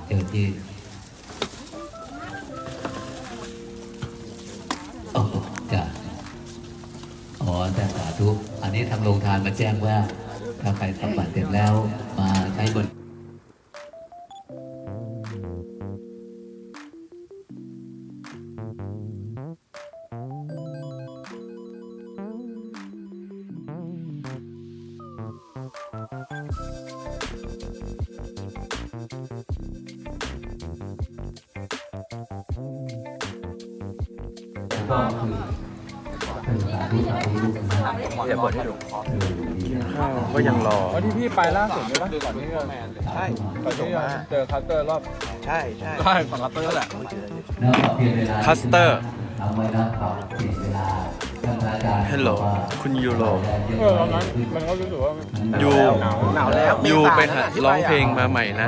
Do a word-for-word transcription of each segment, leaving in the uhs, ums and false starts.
เจ้าที่โอ้จ้ะอ๋อแต่สาธุอันนี้ทางโรงทานมาแจ้งว่าถ้าใครทำบัตรเสร็จแล้วมาใช้บนก็คือเป็นสาธุสาธุลูกนะเดี๋ยวเปิดให้ดูข้าวก็ยังรอวันที่พี่ไปล่าสุดใช่ปะก่อนที่จะใช่ก่อนที่จะเจอคัสเตอร์รอบใช่ใช่ใช่ฝั่งคัสเตอร์แหละแล้วปรับเปลี่ยนเวลาคัสเตอร์ทำไว้นะปรับเปลี่ยนเวลาท่านอาจารย์ฮัลโหลคุณยูโรเออตอนนั้นมันก็รู้สึกว่ายูหนาวหนาวแล้วยูไปหาร้องเพลงมาใหม่นะ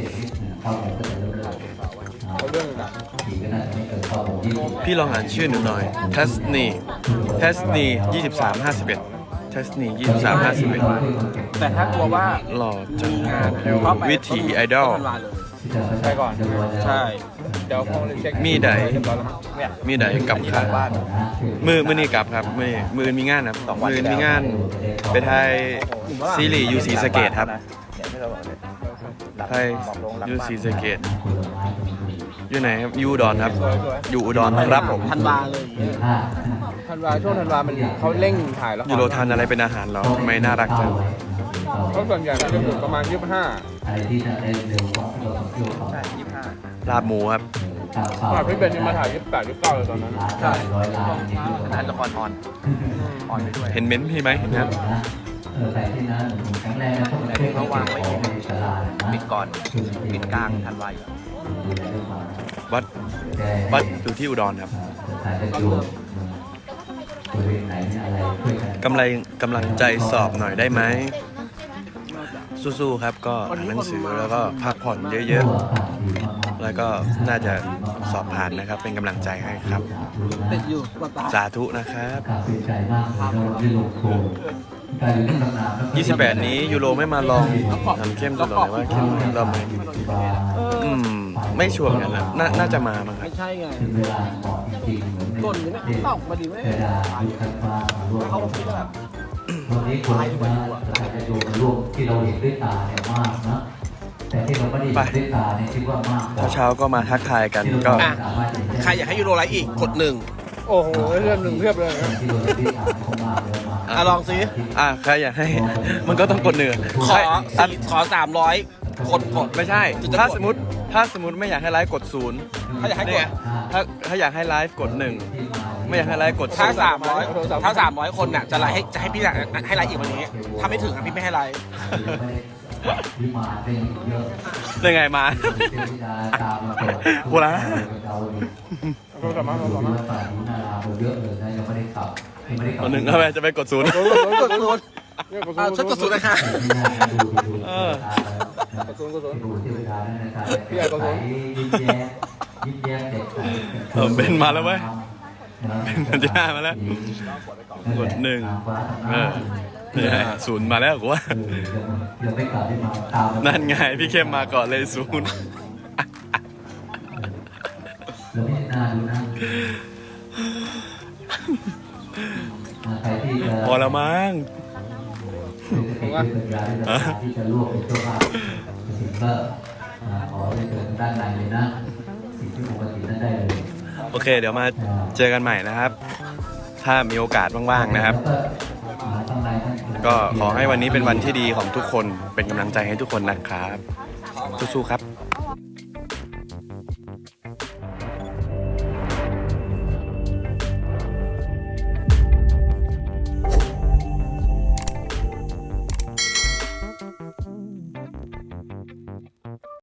เขาเรื่องหนักพี่ลองอ่านชื่อหนูหน่อยเทสนีเทสนียี่สิบสามห้าสิบเอ็ดเทสนียี่สิบสามห้าสิบเอ็ดแต่ถ้ากลัวว่าหล่อจังวิถีไอดอลไปก่อนใช่เดี๋ยวคงเช็คมีใดเนี่ยมีใดกลับค่ะมือมือนี่กลับครับมือมือมีงานครับมือมีงานไปไทยซีรีส์ยูซีสเกตครับไทยยูซีสเกตอยู่ไหนครับยูอุดรครับอยู่อุดรครับผมธันวาเลยธันวาช่วงธันวามันเขาเร่งถ่ายแล้วยูโรทานอะไรเป็นอาหารเหรอทำไมน่ารักจังเขาส่วนใหญ่มันจะอยู่ประมาณยี่สิบห้าอะไรที่จะได้เร็วกว่าเราต้องเที่ยวต่อใช่ยี่สิบห้าลาบหมูครับอ่ะพี่เบนยังมาถ่ายยี่สิบแปดยี่สิบเก้าเลยตอนนั้นใช่ร้อยล้านนี่คือถ่ายละครออนออนไปด้วยเห็นเม้นท์พี่ไหมเห็นครับเออแต่ที่นั้นครั้งแรกนะต้องไปเช็คของในตลาดนะปิดก่อนปิดกลางธันวาดูแลด้วยความวัดวัดอยู่ที่อุดรครับสายจะดูบริเวณไหนเนี่ยอะไรช่วยกันกำไรกำลังใจสอบหน่อยได้ไหมสู้ๆครับก็อ่านหนังสือแล้วก็พักผ่อนเยอะๆ แล้วก็น่าจะสอบผ่านนะครับ เป็นกำลังใจให้ครับติดอยู่สาธุนะครับกาเป็นใจมากเลยเราได้ลงโคมการอยู่ที่ตำนานยี่สิบแปดนี้ยูโรไม่มาลองทำเข้มดูหน่อยว่าเข้มรอบไหมอืมไม่ชัวร์กันนะน่าน่าจะมามั้งครับไม่ใช่ไงถึงเวลาเหมาะจริงๆเหมือนต้นนี้เนี่ยตอกมาดีไหมเวลายุคทันฟ้ามาร่วมเขาคิดว่าวันนี้คนมาสถานจะดูมาร่วมที่เราเห็นด้วยตาเนี่ยมากนะแต่ที่เราไม่ได้เห็นด้วยตาเนี่ยคิดว่ามากกว่าเช้าๆก็มาทักทายกันก็อ่ะใครอยากให้ยูโรไลฟ์อีกกดหนึ่งโอ้โหเรื่องหนึ่งเพียบเลยนะที่เราเห็นด้วยตาเขามากเลยมากอ่ะลองสิอ่ะใครอยากให้ มันก็ต้องกดหนึ่งขอใครสี่ขอสามร้อยคนกดไม่ใช่ ถ้าสมมติถ้าสมมติไม่อยากให้ไลฟ์กดศูนย์ถ้าอยากให้กเนี่ดยถ้าถ้าอยากให้ไลฟ์กดหนึ่งไม่อยากให้ไลฟ์กดถ้าศูนย์สามร้อยถ้าสามร้อยคนน่ะจะไลฟ์ให้จะให้พี่ให้ไลฟ์อีกวันนี้ถ้าไม่ถึงอ่ะพี่ไม่ให้ไลฟ์ที่มาเป็นเยอะยังไงมาเทวดาตามมาเปิดโบราณเราเราสามารถเราดูสามารถว่าป่านุนาราเยอะเลยนะยังไม่ได้ขับยังไม่ได้ขัคนหนึ่งเอาไปจะไปกดศูนย์กดศูนย์กดศูนย์เนี่ยกดศูอ่ะนย์ฉันกดศูนย์นะคะดูดูเออกดศูนย์กดศูนย์ดูเทวดานั่นนะครับใสยิ้มแย้มยิ้มแย้มเด็กใสเออเป็นมาแล้วเว้ยเป็นมันจะมาแล้ว กดหนึ่งเออเนี่ยศูนย์มาแล้วกูว่ายังไม่กลับที่มาตามนั่นไงพี่เข้มมาก่อนเลยศูนย์แล้วไม่น่าดูนะใครที่จะพอแล้วมั้งเป็นสัญญาที่จะร่วมเป็นเจ้าภาพสิ่งก็ขอได้เชิญด้านในเลยนะสิ่งที่ปกตินั้นได้เลยโอเค เดี๋ยวมาเจอกันใหม่นะครับ ถ้ามีโอกาสว่างๆนะครับ ก็ขอให้วันนี้เป็นวันที่ดีของทุกคนเป็นกำลังใจให้ทุกคนนะครับสู้ๆครับ